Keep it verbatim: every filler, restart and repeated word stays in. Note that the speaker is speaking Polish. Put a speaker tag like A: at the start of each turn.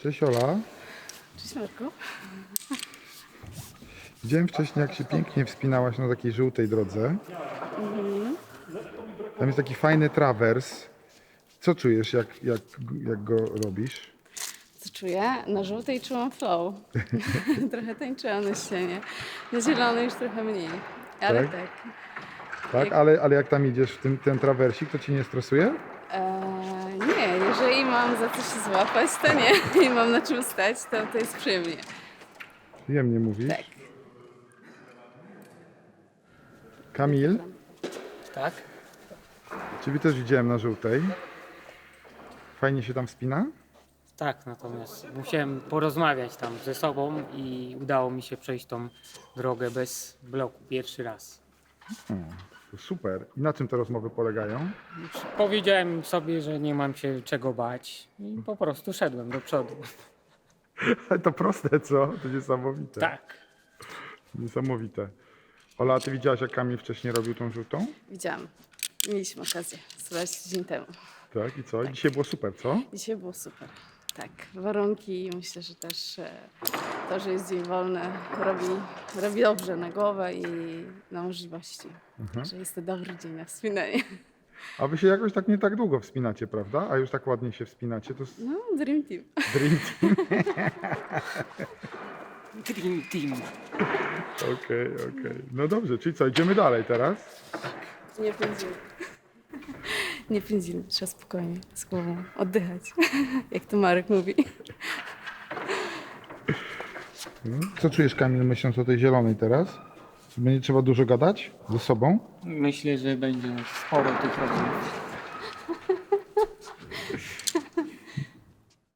A: Cześć Ola.
B: Cześć Marku.
A: Widziałem wcześniej, jak się pięknie wspinałaś na takiej żółtej drodze. Tam jest taki fajny trawers. Co czujesz, jak, jak, jak go robisz?
B: Co czuję? Na żółtej czułam flow. Trochę tańczyłam na ścianie. Na zielonej już trochę mniej. Ale
A: Tak?
B: tak.
A: Tak,
B: Jak-
A: ale, ale jak tam idziesz w tym, ten trawersik, to ci nie stresuje?
B: Eee, nie, jeżeli mam za co się złapać, to nie. I mam na czym stać, to, to jest przyjemnie.
A: Przyjemnie mówisz.
B: Tak.
A: Kamil,
C: Tak?
A: ciebie też widziałem na żółtej. Fajnie się tam wspina?
C: Tak, natomiast musiałem porozmawiać tam ze sobą i udało mi się przejść tą drogę bez bloku pierwszy raz.
A: To super. I na czym te rozmowy polegają?
C: Powiedziałem sobie, że nie mam się czego bać i po prostu szedłem do przodu.
A: Ale to proste, co? To niesamowite.
C: Tak.
A: Niesamowite. Ola, a ty widziałaś, jak Kamil wcześniej robił tą żółtą?
B: Widziałam. Mieliśmy okazję zobaczyć tydzień temu.
A: Tak, i co? I dzisiaj było super, co?
B: Dzisiaj było super. Tak, warunki, myślę, że też e, to, że jest dzień wolny, robi, robi dobrze na głowę i na możliwości. Także jest to dobry dzień na wspinanie.
A: A wy się jakoś tak nie tak długo wspinacie, prawda? A już tak ładnie się wspinacie, to jest
B: No, dream team.
A: dream team.
C: Dream Team.
A: Okej, okej. No dobrze, czyli co, idziemy dalej teraz?
B: Nie pędzimy. Nie pędzimy, trzeba spokojnie, z głową oddychać, jak to Marek mówi.
A: Co czujesz, Kamil, myśląc o tej zielonej teraz? Będzie trzeba dużo gadać ze sobą?
C: Myślę, że będzie sporo tych rozmów.